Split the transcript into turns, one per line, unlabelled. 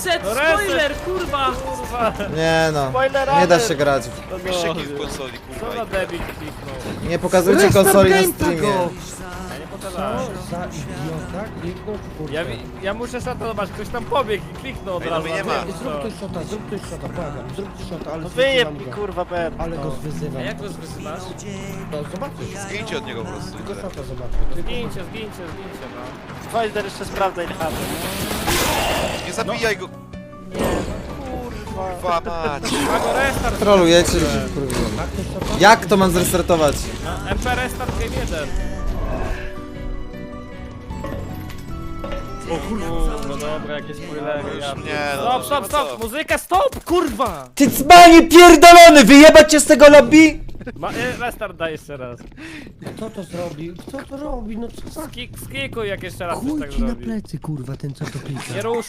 Reset, spoiler, kurwa!
Nie no,
Spoiler
nie da
alert.
się grać.
Piszcie kill w konsoli,
Co
kurwa.
za debil kliknął?
Nie pokazujcie konsoli na streamie.
Ja nie pokazałem.
Za idiota, kliknąć kurwa.
Ja muszę szatować, ktoś tam pobiegł i kliknął od
Ej, no
razu.
mnie nie ma.
Zrób ktoś shota, błagam, zrób ktoś shota, ale
No
zwyzywam
wyjeb mi
go.
kurwa Ben.
Ale go zwyzywam.
A jak go wyzywasz?
No zobaczysz.
Zgincie od niego po prostu.
Tylko shota zobaczę.
Zgincie, no. Spider jeszcze sprawdza ile mamy.
Nie zabijaj go, kurwa mać.
Ma go restart.
Trolujecie, że się wkurwiłem.
A ktoś shota?
Jak to mam zrestartować?
MP restart game 1. O kurwa. No dobra, jakieś spoilery.
Już
ja-
nie, no
Stop,
to
stop,
co?
stop! Muzyka, stop, kurwa!
Ty cmanie pierdolony, wyjebać cię z tego lobby?
Restart daj jeszcze raz.
Kto to zrobi? Kto to robi? No co za...
Skikuj jak jeszcze raz coś
Chuj
tak
ci na
zrobi.
plecy kurwa ten co to klika.
Nie rusz